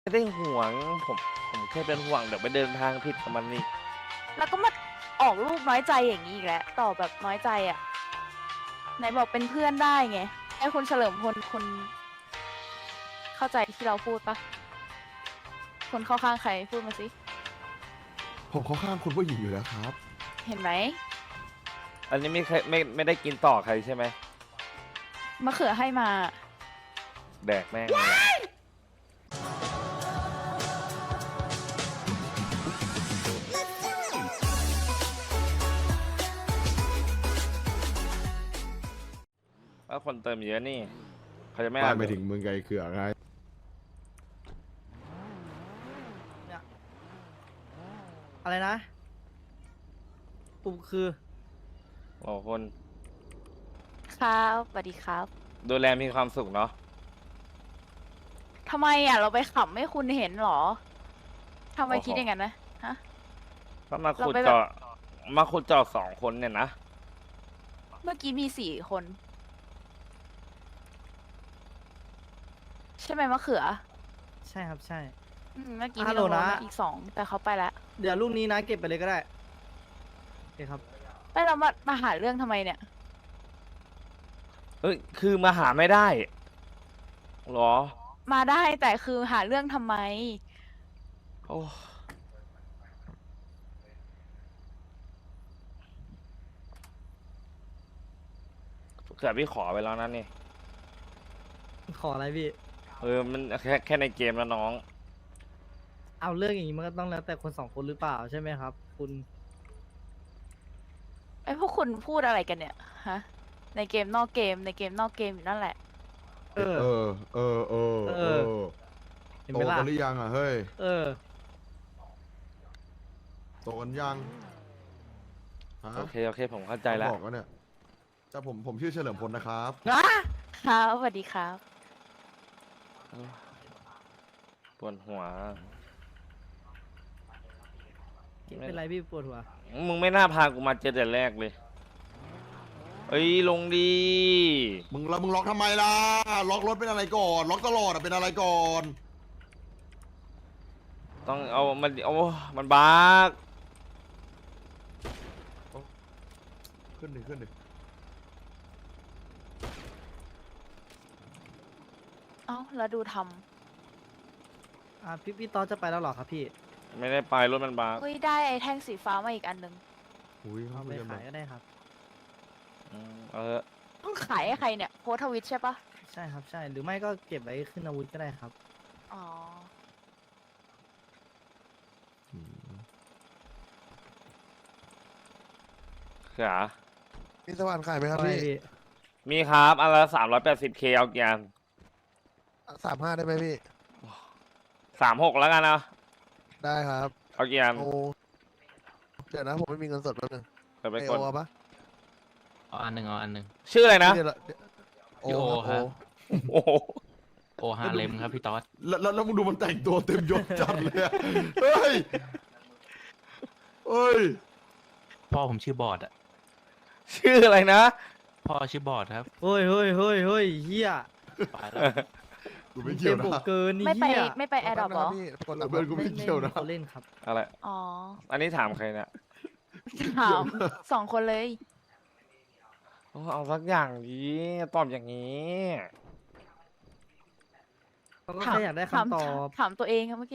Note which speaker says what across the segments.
Speaker 1: ไม่ได้ห่วงผมผมแค่เป็นห่วงเดี๋ยวไปเดินทางผิดกับมันนี่
Speaker 2: แล้วก็มาออกลูกน้อยใจอย่างนี้อีกแล้วตอบแบบน้อยใจอ่ะไหนบอกเป็นเพื่อนได้ไงให้คุณเฉลิมพลคุณเข้าใจที่เราพูดปะคนเข้าข้างใครพูดมาสิ
Speaker 3: ผมเข้าข้างคุณผู้หญิงอยู่แล้วครับ
Speaker 2: เห็นไหม
Speaker 1: อันนี้ไม่ได้กินต่อใครใช่ไหม
Speaker 2: มะเขือให้มา
Speaker 1: แดกแม่งเลยแหละว่าคนเติมเยอะนี่เขาจะไม่
Speaker 3: บ้า
Speaker 1: อ่าน น
Speaker 3: ไปถึงมึงไกลเขือไง
Speaker 4: อะไรนะปุ่มคือ
Speaker 1: โอ้คน
Speaker 2: ครับสวัสดีครับ
Speaker 1: ดูแลมีความสุขเนาะ
Speaker 2: ทำไมอ่ะเราไปขำให้คุณเห็นเหรอทำไมคิดอย่างนั้นนะฮะ
Speaker 1: ก็มาขุด
Speaker 2: เราไปแบบ
Speaker 1: เจาะมาขุดเจาะ2 คนเนี่ยนะ
Speaker 2: เมื่อกี้มี4 คน ใช่ไหมมะเขือ
Speaker 4: ใช่ครับใช่
Speaker 2: เมื่อกี้
Speaker 4: ฮั
Speaker 2: มี
Speaker 4: ลโหล
Speaker 2: น้อง
Speaker 4: นะ
Speaker 2: ๆอีก2แต่เขาไปแล้ว
Speaker 4: เดี๋ยวลูกนี้นะเก็บไปเลยก็ได้โอเคครับ
Speaker 2: ไม่เรามาหาเรื่องทำไมเนี่ย
Speaker 1: เอ้ยคือมาหาไม่ได้เหรอ
Speaker 2: มาได้แต่คือหาเรื่องทำไม
Speaker 1: โอ้เกือบพี่ขอไปแล้วนั่นนี่
Speaker 4: ขออะไรพี่
Speaker 1: มันแค่ในเกมแล้วน้อง
Speaker 4: เอาเรื่องอย่างนี้มันก็ต้องแล้วแต่คนสองคนหรือเปล่าใช่ไหมครับ คุณ
Speaker 2: ไอ้พวกคุณพูดอะไรกันเนี่ยฮะในเกมนอกเกมในเกมนอกเกมอยู่นั่นแหละ
Speaker 4: เออ
Speaker 3: เออ เออ เออ
Speaker 4: เอ
Speaker 3: เอ
Speaker 4: อ
Speaker 3: อ
Speaker 4: เห็น
Speaker 3: โต
Speaker 4: ไหมล่ะ
Speaker 3: กันหรือยังอ่ะ เฮ้ย
Speaker 4: เออ
Speaker 3: โตกันยังฮะ
Speaker 1: โอเคผมเข้าใจแล้ว
Speaker 3: บอกว่าเนี่ยแต่ผมชื่อเฉลิมพลนะครับ
Speaker 2: ครับสวัสดีครับ
Speaker 1: ปวดหัว
Speaker 4: เป็นไรพี่ปวดหัว
Speaker 1: มึงไม่น่าพากูมาเจอแต่แรกเลย เอ้ยลงดี
Speaker 3: มึงล็อกทำไมล่ะ ล็อกรถเป็นอะไรก่อน ล็อกตลอดอ่ะเป็นอะไรก่อน
Speaker 1: ต้องเอามันบัก
Speaker 3: ขึ้นดิขึ้นดิ
Speaker 2: เอ้าแล้วดูท
Speaker 4: พี่ตอนจะไปแล้วเหรอครับพี่
Speaker 1: ไม่ได้ไปรถมันบัก
Speaker 2: ำเฮ้ยได้ไอ้แท่งสีฟ้ามาอีกอันหนึง
Speaker 3: อุ้ย
Speaker 4: เอาไป
Speaker 3: คุยกัน
Speaker 4: ขายก็ได้ครับ
Speaker 1: เออ
Speaker 2: ต้องขายให้ใครเนี่ยโพสต์ทวิตใช่ปะ
Speaker 4: ใช่ครับใช่ หรือไม่ก็เก็บไว้ขึ้นอาวุธก็ได้ครับ
Speaker 2: อ๋อ
Speaker 3: อืม
Speaker 1: เขือ
Speaker 5: มีสว่านขายไหมครับ
Speaker 4: อะไร
Speaker 5: พี่
Speaker 4: พี่
Speaker 1: มีครับอันละ380K เอากี่อัน
Speaker 5: 35ได้ไหมพี่
Speaker 1: 36แล้วกันนะ
Speaker 5: ได้ครับ
Speaker 1: เอากี่อัน
Speaker 5: โอ้เดี๋ยวนะผมไม่มีเงินสดแป๊บนึง
Speaker 1: เดี๋ยวไป
Speaker 5: ไอก
Speaker 1: ด
Speaker 5: โอปะ
Speaker 6: เอาอันหนึ่งเอาอันหนึ่ง
Speaker 1: ชื่ออะไรนะ
Speaker 5: เดี๋ยวโอ
Speaker 6: พี่โอ
Speaker 5: ครับ
Speaker 6: ครับ
Speaker 1: โอ้โห
Speaker 6: โอฮาเลมครับพี่ต๊อด
Speaker 3: แล้วมึงดูมันแต่งตัวเต็มยศจัดเลยอะเฮ้ย เฮ้ย
Speaker 6: พ่อผมชื่อบอดอ่ะ
Speaker 1: ชื่ออะไรนะ
Speaker 6: พ่อชื่อบอดครับ
Speaker 4: เฮ้ยเฮ้ยเฮ้ยเฮ้ยเฮีย
Speaker 6: ไปแล้ว
Speaker 3: กูไม่เกี่ยว
Speaker 4: ต็ม
Speaker 3: นะ
Speaker 4: อกเกินนี่
Speaker 2: ไม่ไป
Speaker 4: เฮีย
Speaker 2: ไม่ไปแอร์ดรอปหรอ
Speaker 5: พี่กด
Speaker 3: เพื่อนกูไม่เกี่ยวนะ
Speaker 4: เขาเล่นครับ
Speaker 1: อะไร
Speaker 2: อ๋อ
Speaker 1: อันนี้ถามใครเนี่ย
Speaker 2: ถาม2 คนเลย
Speaker 1: เอาสักอย่างดีตอบอย่างนี้
Speaker 4: เขาก็แค่อยากได้คำตอบ
Speaker 2: ถามตัวเองครับเมื่อกี้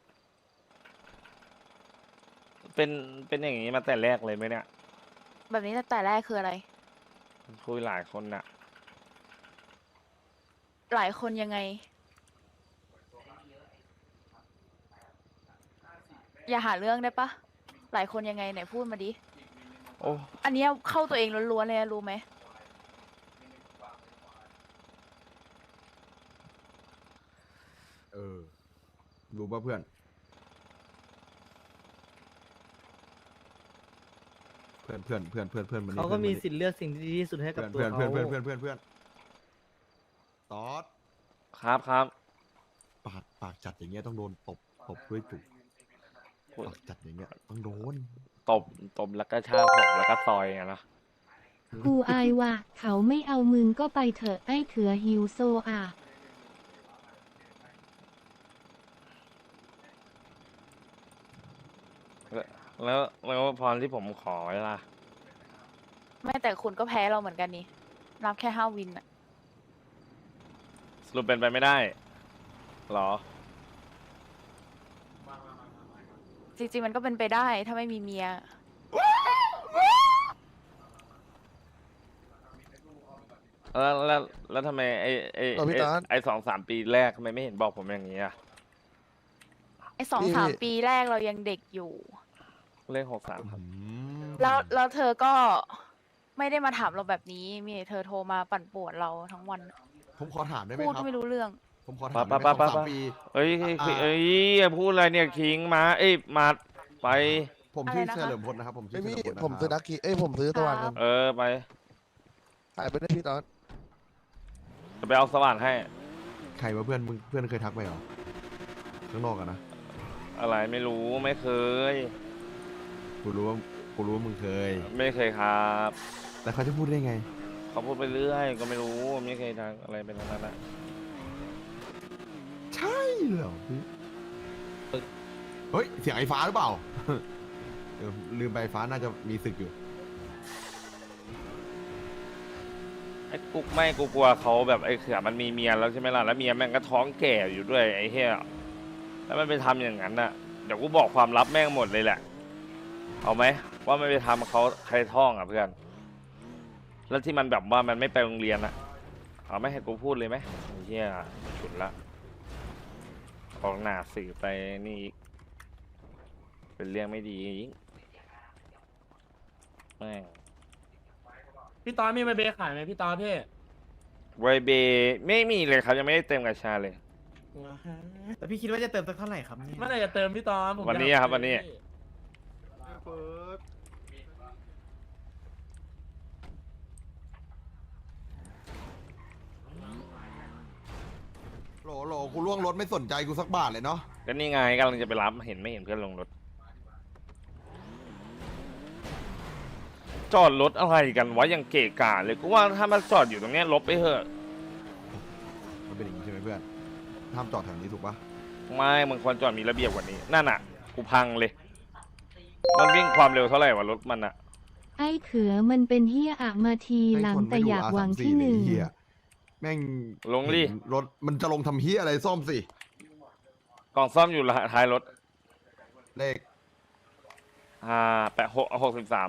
Speaker 1: เป็นอย่างนี้มาแต่แรกเลยไหมเนี่ย
Speaker 2: แบบนี้แต่แรกคืออะไร
Speaker 1: คุยหลายคนน่ะ
Speaker 2: หลายคนยังไง อย่าหาเรื่องได้ปะหลายคนยังไงไหนพูดมาดิ
Speaker 1: โอ้
Speaker 2: อันเนี้ยเข้าตัวเองล้วนๆเลยนะรู้ไหม
Speaker 3: เออ รู้ป่ะเพื่อน เพื่อนมันนี่
Speaker 4: เขาก็มี
Speaker 3: พื่อน
Speaker 4: สิทธิ์เลือกสิ่งที่ดีที่สุดให้กับตัว
Speaker 3: เพื่อน
Speaker 4: เขา
Speaker 3: เพื่อนตอด
Speaker 1: ครับ
Speaker 3: ปากจัดอย่างเงี้ยต้องโดนตบด้วยจุกปากจัดอย่างเงี้ยต้องโดน
Speaker 1: ตบแล้วก็ชากผมแล้วก็ซอยไงนะ
Speaker 7: กูอายว่ะเขาไม่เอามึงก็ไปเถอะไอ้เถือหิวโซอ่ะ
Speaker 1: แล้วพรที่ผมขอไว้ล่ะ
Speaker 2: ไม่แต่คุณก็แพ้เราเหมือนกันนี่นับแค่5 วินอะ
Speaker 1: สรุปเป็นไปไม่ได้เหรอ
Speaker 2: จริงๆมันก็เป็นไปได้ถ้าไม่มีเมีย
Speaker 1: แล้วทำไมไอ้2-3 ปีแรกทำไมไม่เห็นบอกผมอย่างนี้อ่ะ
Speaker 2: ไอ้2-3 ปีแรกเรายังเด็กอยู่
Speaker 1: เลข63ครับ
Speaker 2: แล้วเธอก็ไม่ได้มาถามเราแบบนี้ มีแต่เธอโทรมาปั่นป่วนเราทั้งวัน
Speaker 3: ผมขอถามได้ไหม
Speaker 2: พูด
Speaker 3: ครั
Speaker 2: ก็
Speaker 3: บ
Speaker 2: ไม่รู้เรื่อง
Speaker 3: ผมขอถามได้ไหม
Speaker 1: ปั๊บ
Speaker 3: สองสามปี
Speaker 1: เอ้ยอย่าพูดอะไรเนี่ยคิงมามาไป
Speaker 3: ผมชื่อ
Speaker 2: อะไรนะคะ
Speaker 3: เฉลิมพลนะครับผมชื่
Speaker 5: ไม่
Speaker 3: อเฉ
Speaker 5: มี
Speaker 3: ลิมพลนะ
Speaker 5: ผมซื้อ
Speaker 3: ค
Speaker 5: ดั
Speaker 3: รับ
Speaker 5: กกี้ผมซื้อสว่าน
Speaker 2: ครั
Speaker 5: กับ น
Speaker 1: ไป
Speaker 5: ขายไปได้พี่ตอน
Speaker 1: จะไปเอาสว่านให้
Speaker 3: ใครว่าเพื่อนเคยทักไปเหรอข้างนอกอะนะ
Speaker 1: อะไรไม่รู้ไม่เคย
Speaker 3: กูรู้ว่ามึงเคย
Speaker 1: ไม่เคยครับ
Speaker 3: แต่เขาจะพูดได้ไง
Speaker 1: เขาพูดไปเรื่อยก็ไม่รู้ไม่เคยทางอะไรเป็นทั้งนั้นอะ
Speaker 3: ใช่เหรอพี่เฮ้ยเสียงไอ้ฟ้าหรือเปล่า เออลืมไปไอ้ฟ้าน่าจะมีศึกอยู่
Speaker 1: ไอ้กุ๊กไม่กูกลัวเขาแบบไอ้เขือมันมีเมียแล้วใช่ไหมล่ะแล้วเมียแม่งก็ท้องแก่อยู่ด้วยไอ้เหี้ยแล้วมันไปทำอย่างนั้นน่ะเดี๋ยวกูบอกความลับแม่งหมดเลยแหละเอาไหมว่ามันไปทำเขาใครท้องอ่ะเพื่อนแล้วที่มันแบบว่ามันไม่ไปโรงเรียนอ่ะเอาไหมให้กูพูดเลยไหมไอ้เหี้ยฉุดละออกหน้าสื่อไปนี่อีกเป็นเรื่องไม่ดีอีกแม่ง
Speaker 8: พี่ตอนมีใบเบขายไหมพี่ตอนพี่
Speaker 1: ไวเบไม่มีเลยครับยังไม่ได้เต็มกระชาเลย
Speaker 4: แต่พี่คิดว่าจะเติมสักเท่าไหร่ครับเนี่ย
Speaker 8: เมื่อไหร่จะเติมพี่ตอนผม
Speaker 1: วันนี้
Speaker 8: อยาก
Speaker 1: ครับวันนี้
Speaker 3: โหลกูล่วงรถไม่สนใจกูสักบาทเลยเนาะ
Speaker 1: ก็นี่ไงกำลังจะไปรับเห็นไม่เห็นเพื่อนลงรถ จอดรถอะไรกันวะยังเกะกะเลยกูว่าถ้ามันจอดอยู่ตรงเนี้ยลบไปเถอะ
Speaker 3: มันเป็นอย่างนี้ใช่ไหมเพื่อนห้ามจอดแถวนี้ถูกปะ
Speaker 1: ไม่มึงควรจอดมีระเบียบกว่านี้นั่นอ่ะกูพังเลย มันวิ่งความเร็วเท่าไหร่วะรถมันอ่ะ
Speaker 7: ไอ้เขือมันเป็นเฮียอะมาทีหลังแต่อยากหวังที่หนึ่ง
Speaker 3: เหี้ยแม่ง
Speaker 1: ลงดิ
Speaker 3: เห็นรถมันจะลงทำเฮียอะไรซ่อมสิ
Speaker 1: กล่องซ่อมอยู่ท้ายรถ
Speaker 3: เลข
Speaker 1: 63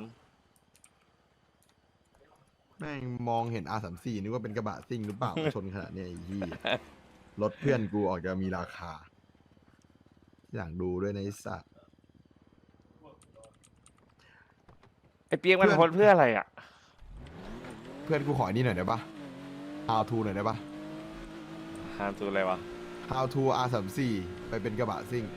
Speaker 3: แม่งมองเห็น R34 นึกว่าเป็นกระบะซิ่งหรือเปล่า ชนขนาดเนี้ยไอ้เหี้ยรถเพื่อนกูออกจะมีราคา อย่างดูด้วยในะไอ้สัตว์
Speaker 1: ไอ้เปียกมันโพสเพื่ออะไรอ่ะ
Speaker 3: เพื่อนกูขอไอ้นี่หน่อยได้ปะ How to หน่อยได้ปะ
Speaker 1: หาตัวอะไรวะ
Speaker 3: How to R34 ไปเป็นกระบะซิ่ง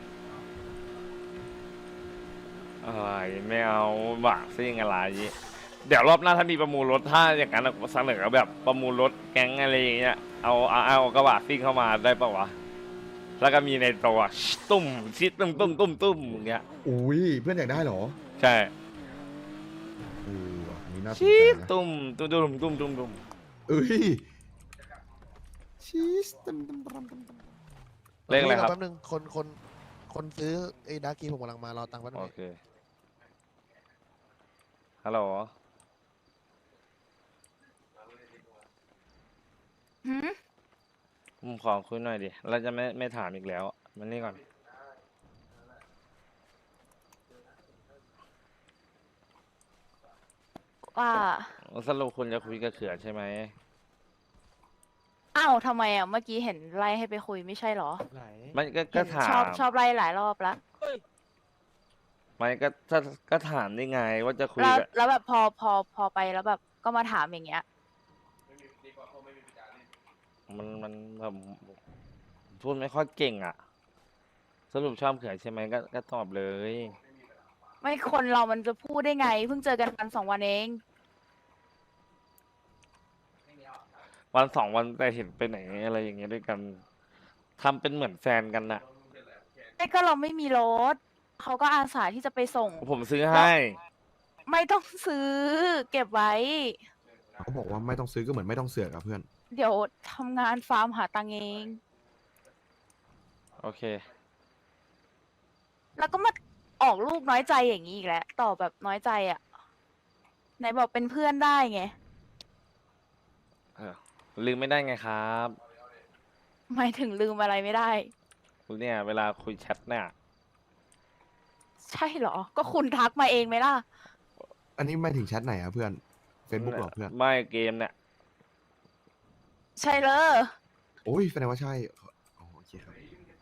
Speaker 1: อะไรไม่เอาบะซิ่งอะไรเดี๋ยวรอบหน้าถ้ามีประมูลรถถ้าอย่างนั้นเสนอแบบประมูลรถแก๊งอะไรอย่างเงี้ยเอากระบะซิ่งเข้ามาได้ปะวะแล้วก็มีในตัวตุ้มชิดตุ้มอย่างเงี้ย
Speaker 3: อุ้ยเพื่อนอยากได้เหรอ
Speaker 1: ใช่
Speaker 3: ว่ะอันนี้น่าสน
Speaker 1: ชิ
Speaker 3: ใจ
Speaker 1: ด
Speaker 3: นะ
Speaker 1: ตุ้ม
Speaker 3: เอ้ยชีสตึมตึมตึมตึมตึม
Speaker 1: เลขอะไรครับ
Speaker 5: แป๊บนึงคนซื้อไอ้ดักกี้ผมกำลังมารอตังค์แป๊บนึ
Speaker 1: โอง เคฮัลโหล
Speaker 2: หืม
Speaker 1: ผมขอคุยหน่อยดิเราจะไม่ถามอีกแล้วมันนี่ก่อน
Speaker 2: ว่า
Speaker 1: สรุปคุณจะคุยกับเขือใช่ไหม
Speaker 2: อ้าวทำไมอ่ะ เมื่อกี้เห็นไล่ให้ไปคุยไม่ใช่เหรอ
Speaker 1: มันก็
Speaker 2: เห็น
Speaker 1: ถา
Speaker 2: ชอบ
Speaker 1: ม
Speaker 2: ไล่หลายรอบแล้ว
Speaker 1: มันก็ถามได้ไงว่าจะคุย
Speaker 2: แล้ว
Speaker 1: กับ
Speaker 2: แล้วแบบพอไปแล้วแบบก็มาถามอย่างเงี้ย
Speaker 1: มันแบบพูดไม่ค่อยเก่งอ่ะ สรุปชอบเขือใช่ไหมก็ตอบเลย
Speaker 2: ไม่คนเรามันจะพูดได้ไง เพิ่งเจอกันวัน2 วันเอง
Speaker 1: วัน2 วันแต่เห็นไปไหนอะไรอย่างเงี้ยด้วยกันทำเป็นเหมือนแฟนกันน่ะ
Speaker 2: ไอ้ก็เราไม่มีรถ เขาก็อาสาที่จะไปส่ง
Speaker 1: ผมซื้อให้
Speaker 2: ไม่ต้องซื้อ เก็บไว้
Speaker 3: เขาบอกว่าไม่ต้องซื้อก็เหมือนไม่ต้องเสือกอะเพื่อน
Speaker 2: เดี๋ยวทำงานฟาร์มหาตังค์เอง
Speaker 1: โอเค
Speaker 2: แล้วก็มาออกลูกน้อยใจอย่างนี้อีกแล้วตอบแบบน้อยใจอ่ะไหนบอกเป็นเพื่อนได้ไง
Speaker 1: เออลืมไม่ได้ไงครับ
Speaker 2: หมายถึงลืมอะไรไม่ได้
Speaker 1: เนี่ยเวลาคุยแชทเนี่ย
Speaker 2: ใช่เหรอ ก็คุณทักมาเองไหมล่ะ
Speaker 3: อันนี้ไม่ถึงแชทไหนอะเพื่อน Facebook หรอเพื่อน
Speaker 1: ไม่เกมเนี่ย
Speaker 2: ใช่เลย
Speaker 3: โอ้ยแสดงว่าใช่อ๋อโอเคครับ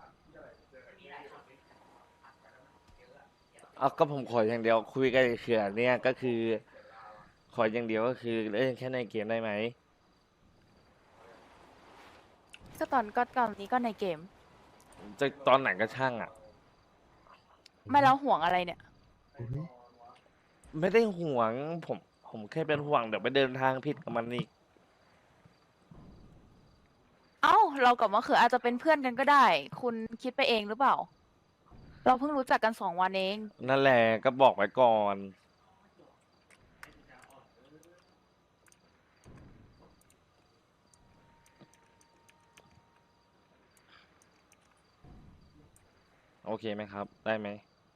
Speaker 1: เอาก็ผมขออย่างเดียวคุยกับไอ้เขื่อนเนี่ยก็คือ ขออย่างเดียวก็คือเล่นแค่ในเกมได้ไหม
Speaker 2: ก็ตอนนี้ก็ในเกม
Speaker 1: จะตอนไหนก็ช่างอ่ะ
Speaker 2: ไม่แล้วห่วงอะไรเนี่ย
Speaker 3: อุ๊ย
Speaker 1: ไม่ได้ห่วงผมแค่เป็นห่วงเดี๋ยวไปเดินทางผิดกับมันอีก
Speaker 2: เอ้า เรากับมะเขืออาจจะเป็นเพื่อนกันก็ได้ คุณคิดไปเองหรือเปล่า เราเพิ่งรู้จักกัน2 วันเอง
Speaker 1: นั่นแหละก็บอกไว้ก่อน โอเคไหมครับ ได้ไหม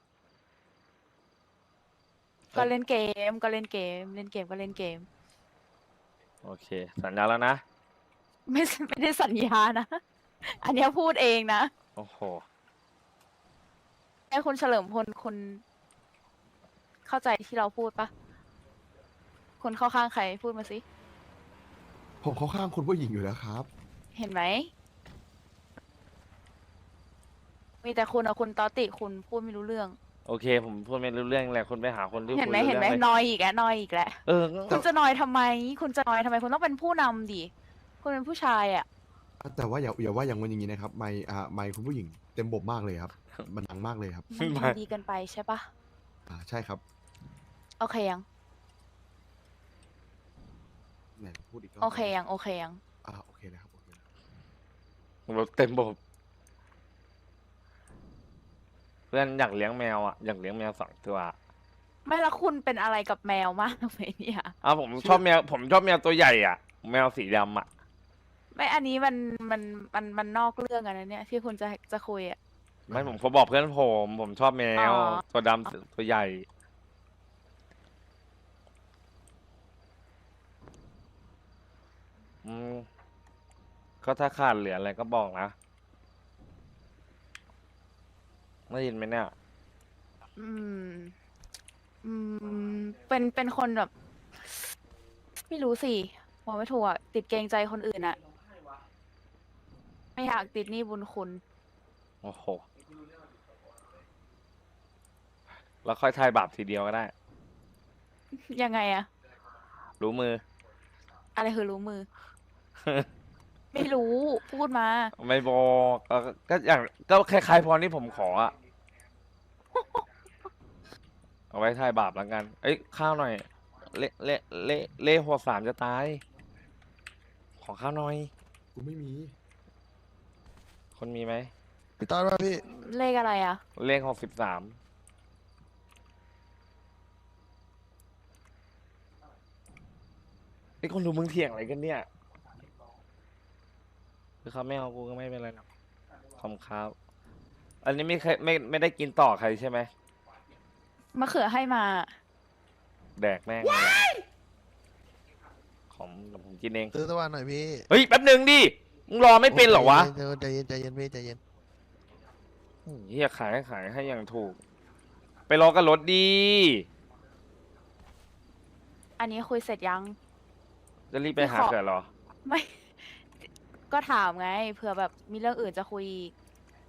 Speaker 2: ก็เล่นเกมก็เล่นเกม เล่นเกมก็เล่นเกม
Speaker 1: โอเค สัญญาแล้วนะ
Speaker 2: ไม่ได้สัญญานะ อันเนี้ยพูดเองนะ
Speaker 1: โอ้โห
Speaker 2: ไอ้คุณเฉลิมพลคุณเข้าใจที่เราพูดปะคุณเข้าข้างใครพูดมาสิ
Speaker 3: ผมเข้าข้างคุณผู้หญิงอยู่แล้วครับ
Speaker 2: เห็นไหม มีแต่คุณอะคุณตอติคุณพูดไม่รู้เรื่อง
Speaker 1: โอเค ผมพูดไม่รู้เรื่องแหละคุณไปหาคนที่
Speaker 2: เห็น
Speaker 1: คุ
Speaker 2: ไหม
Speaker 1: ยรู้
Speaker 2: เห็นไหม
Speaker 1: รื่องลย
Speaker 2: นอยอีกแล้วนอยอีกแล้ว
Speaker 1: เออ
Speaker 2: คุณจะนอยทำไม คุณจะนอยทำไม คุณต้องเป็นผู้นำดิ คุณเป็นผู้ชายอะ
Speaker 3: แต่ว่าอย่าว่าอย่างวันอย่างนี้นะครับ ไมค์คุณผู้หญิงเต็มบบมากเลยครับ มันดังมากเลยครับ
Speaker 2: มันดีเกินไปใช่ปะ
Speaker 3: ใช่ครับ
Speaker 2: โอเคยัง
Speaker 3: ไหนพูดอีกรอบ
Speaker 2: โอเคยัง โอเคยัง
Speaker 3: โอเคนะครับโอเคนะ
Speaker 1: รถเต็มบบเพื่อนอยากเลี้ยงแมวอ่ะอยากเลี้ยงแมว2 ตัว
Speaker 2: ไม่และคุณเป็นอะไรกับแมวมากไหมเนี่ย
Speaker 1: ผมชอบแมวตัวใหญ่อ่ะ แมวสีดำอ่ะ
Speaker 2: ไม่ อันนี้มันนอกเรื่องกันนะเนี่ย ที่คุณจะคุยอะ
Speaker 1: ไม่ผมบอกเพื่อนผมชอบแมว
Speaker 2: อ๋อ
Speaker 1: ตัวดำตัวใหญ่ อืมก็ถ้าขาดเหลืออะไรก็บอกนะได้ยินไหมเนี่ย
Speaker 2: อืม อืม เป็นคนแบบ ไม่รู้สิบอกไม่ถูกอะติดเกรงใจคนอื่นอะไม่อยากติดหนี้บุญคุณ
Speaker 1: โอ้โห แล้วค่อยทายบาปทีเดียวก็ได้
Speaker 2: ยังไงอะ
Speaker 1: รู้มือ
Speaker 2: อะไรคือรู้มือ ไม่รู้พูดมา
Speaker 1: ไม่บอกก็อย่างก็คล้ายๆพรที่ผมขออะ เอาไว้ทายบาปแล้วกัน เอ้ยข้าวหน่อย เละหัว3จะตาย ขอข้าวหน่อย
Speaker 3: กูไม่มี
Speaker 1: คนมีไหม
Speaker 5: พี่ตอนว่าพี่
Speaker 2: เลขอะไรอะ
Speaker 1: เลข63ไอ้คนดูมึงเถียงอะไรกันเนี่ยคือเขาไม่เอากูก็ไม่เป็นไรหรอกขอบคุณครับ อันนี้ไม่ได้กินต่อใครใช่ไหม
Speaker 2: มะเขือให้มา
Speaker 1: แดกแม่งเลยผมกินเอง
Speaker 5: ซื้อตะวันหน่อยพี่
Speaker 1: เฮ้ยแป๊บหนึ่งดิ มึงรอไม่เป็นเหรอวะ
Speaker 5: ใจเย็นใจเย็นพี่ใจเย็น
Speaker 1: เฮียขายให้อย่างถูก ไปรอกันรถดี
Speaker 2: อันนี้คุยเสร็จยัง
Speaker 1: จะรีบไปหา
Speaker 2: ขอ
Speaker 1: เกิดเหรอ
Speaker 2: ไม่ ก็ถามไงเผื่อแบบมีเรื่องอื่นจะคุยอีก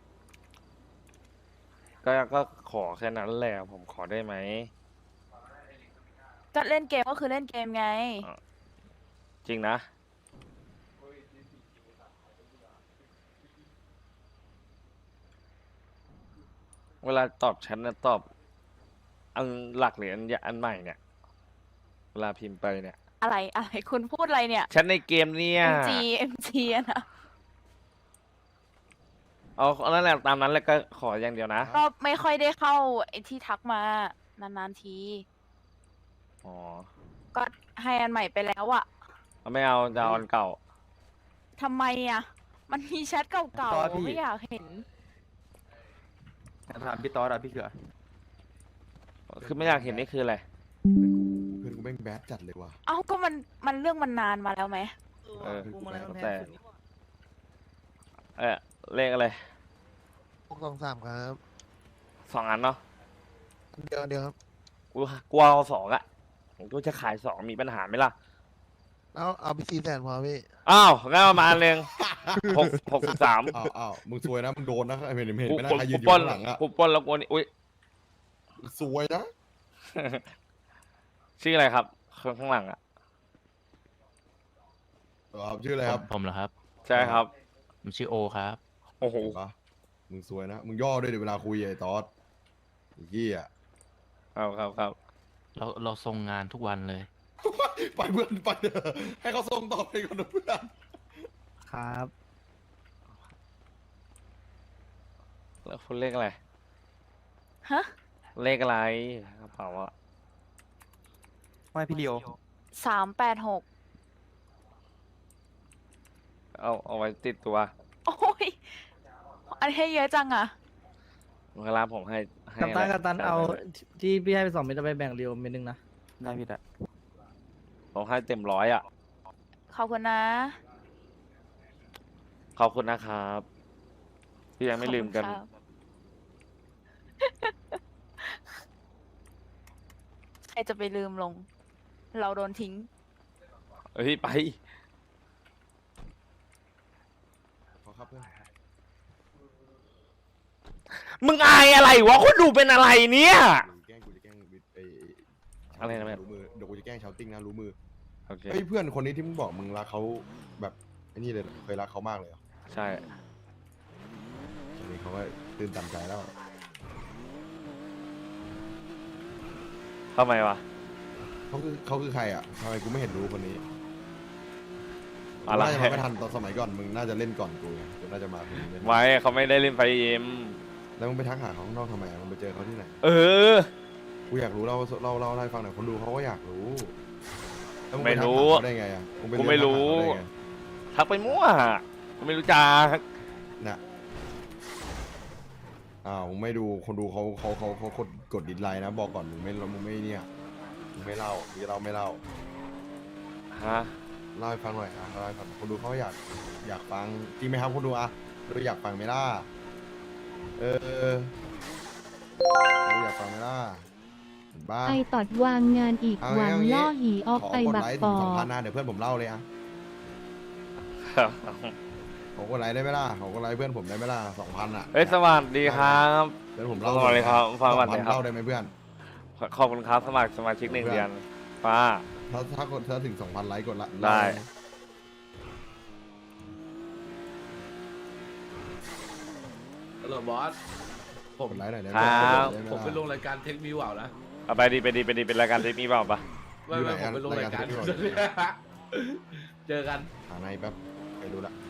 Speaker 1: ก็ขอแค่นั้นแหละ ผมขอได้ไหม
Speaker 2: ก็เล่นเกมก็คือเล่นเกมไง
Speaker 1: จริงนะ เวลาตอบฉันนะตอบ อันหลักหรืออันใหม่เนี่ย เวลาพิมพ์ไปเนี่ย
Speaker 2: อะไรคุณพูดอะไรเนี่ย
Speaker 1: ฉันในเกมเนี่ย
Speaker 2: MG อะนะ
Speaker 1: เอานั่นแหละตามนั้นแล้วก็ขออย่างเดียวนะ
Speaker 2: ก็ไม่ค่อยได้เข้าไอ้ที่ทักมานานๆที
Speaker 1: อ๋อ
Speaker 2: ก็ให้อันใหม่ไปแล้วอะ
Speaker 1: ไม่เอาจะเอาอันเก่า
Speaker 2: ทำไมอะมันมีแชทเก่าๆไม่อยากเห็น
Speaker 9: ถามพี่ตอสอะพี่เขือ
Speaker 1: คือไม่อยากเห็นนี่คืออะไร
Speaker 3: เพื่อนกูแม่งแบดจัดเลยว่ะ
Speaker 2: เอ้าก็มันเรื่องมันนานมาแล้วไหม
Speaker 1: เออ
Speaker 4: กูมาแล้ว
Speaker 1: แต่
Speaker 4: แพ้สุดนี่หว่า
Speaker 1: เลขอะไร
Speaker 5: 623ครับ
Speaker 1: 2 อันเนาะ
Speaker 5: เดียวครับ
Speaker 1: กูเอา2อะกูจะขาย2มีปัญหาไหมล่ะ
Speaker 5: แล้วเอาไป400,000พอพี่
Speaker 1: อ้าวงั้นเอามาอันหนึ่ง63
Speaker 3: อ้าวมึงซวยนะมึงโดนนะเห็นเห็น
Speaker 1: กู
Speaker 3: ไหมนะใครยืนอยู่
Speaker 1: ปล้น
Speaker 3: ข้างหลังอ่ะ
Speaker 1: กูปล้นแล้วกูนี่อุ้ย
Speaker 3: ซวยนะ
Speaker 1: ชื่ออะไรครับข้างหลังอะ
Speaker 3: ครับชื่ออะไรครับ
Speaker 6: ผมเหรอครับ
Speaker 1: ใช่ครับ
Speaker 6: ผมชื่อโอครับ
Speaker 1: โอ้โห
Speaker 3: เห็นปะมึงซวยนะมึงย่อด้วยเดี๋ยวเวลาคุยไอ้ตอสไอ้เหี้ย
Speaker 1: ครับ
Speaker 6: เราส่งงานทุกวันเลย
Speaker 3: ไปเพื่อนไปเถอะให้เขาส่งต่อไปก่อนนะเพื่อน
Speaker 4: ครับ
Speaker 1: แล้วคุณเลขอะไร
Speaker 2: ฮะ
Speaker 1: เลขอะไรกระเป๋าอะ
Speaker 9: ไม่พี่เดียว
Speaker 2: 386
Speaker 1: เอาไว้ติดตัว
Speaker 2: โอ้ย อันนี้ให้เยอะจังอะ
Speaker 1: เวลาผมให้
Speaker 4: กัปตันเอาที่พี่ให้ไป2 เม็ดเอาไปแบ่งเรียวเม็ดนึงนะ
Speaker 9: ได้พี่ได้
Speaker 1: ผมให้เต็ม100อะ
Speaker 2: ขอบคุณนะ
Speaker 1: ขอบคุณนะครับที่ยังไม่ลืมกัน
Speaker 2: ขอบคุณครับ ใครจะไปลืมลง เราโดนทิ้ง
Speaker 1: เฮ้ยไป
Speaker 3: ขอครับเพื่อน
Speaker 1: มึงอายอะไรวะคนดูเป็นอะไรเนี่ย
Speaker 3: กูจะแกล้งไอ้
Speaker 1: อะไรนะแม่
Speaker 3: รู้มือเดี๋ยวกูจะแกล้งชาวติ้งนะรู้มือ
Speaker 1: โอเค
Speaker 3: เฮ้ยเพื่อนคนนี้ที่มึงบอกมึงรักเขาแบบไอ้นี่เลยเหรอเคยรักเขามากเลยเหรอ
Speaker 1: ใช่
Speaker 3: ตอนนี้เขาก็ตื่นตันใจแล้ว
Speaker 1: ทำไมวะ
Speaker 3: เขาคือใครอ่ะทำไมกูไม่เห็นรู้คนนี้
Speaker 1: อะไร
Speaker 3: น่าจะมาไม่ทันตอนสมัยก่อนมึงน่าจะเล่นก่อนกูไงกูน่าจะมาคนนี้เล่น
Speaker 1: ไว้เขาไม่ได้เล่นไฟเอ็ม
Speaker 3: แล้วมึงไปทักหาเขาข้างนอกทำไมอะมึงไปเจอเขาที่ไหน
Speaker 1: เออ
Speaker 3: กูอยากรู้เล่าให้ฟังหน่อยคนดูเขาก็อยากรู้แล้วง
Speaker 1: ไม่
Speaker 3: ปทัก
Speaker 1: รู้
Speaker 3: หาเขาได้ไงอ่ะงป
Speaker 1: กูไม่รู้
Speaker 3: เลื่อนทักหาเขาได้ไง
Speaker 1: ทักไปมั่วกูไม่รู้จัก
Speaker 3: น่ะอ้าวมึงไม่ดูคนดูเขากดดิสไลน์นะบอกก่อนมึงไม่เนี่ยมึงไม่เล่ามึงจะเล่าไม่เล่า
Speaker 1: ฮะ
Speaker 3: เล่าให้ฟังหน่อยอ่ะเล่าให้ฟังคนดูเขาอยากฟังจริงไหมครับคนดูอ่ะคนดูอยากฟังไหมล่ะคนดูอยากฟังไหมล่ะเห็นปะ
Speaker 7: ไอตอดวางงานอีก
Speaker 3: เอา
Speaker 7: หวัง
Speaker 3: งี้
Speaker 7: ล่อหีออก
Speaker 3: ขอ
Speaker 7: ไป
Speaker 3: กด
Speaker 7: บัก
Speaker 3: ไลค์
Speaker 7: ป
Speaker 3: ถึ
Speaker 7: อง
Speaker 3: 2,000นะเดี๋ยวเพื่อนผมเล่าเลยอ่ะขอกดไลค์ได้ไหมล่ะขอกดไลค์เพื่อนผมได้ไหมล่ะ2,000อ่ะ
Speaker 1: เฮ้ยสวัสดีครับ
Speaker 3: เพื่อนผมเล่า
Speaker 1: สวัสดีครับฟังก่อน
Speaker 3: 2,000
Speaker 1: เลยครับ
Speaker 3: เล่าได้ไหมเพื่อน
Speaker 1: ขอบคุณครับสมัครสมาชิก1 เดือนป้า
Speaker 3: ถ้าถึง 2,000 ไลค์กดละ
Speaker 1: ได้
Speaker 8: ฮัลโหลบอส
Speaker 3: กดไลค์หน่อยได้ไห
Speaker 1: ค
Speaker 3: ม
Speaker 1: รับ
Speaker 3: ได้ไห
Speaker 8: ผมไปลงรายการเทคมิวเอานะ
Speaker 1: เอาไปดีเป็นรายการเทปนี้เปล่าปะ
Speaker 8: ไม่ผมไปลงรายการ
Speaker 3: รายการ Take Me Wow
Speaker 8: เจอกัน
Speaker 3: หาในแป๊บไปดูละ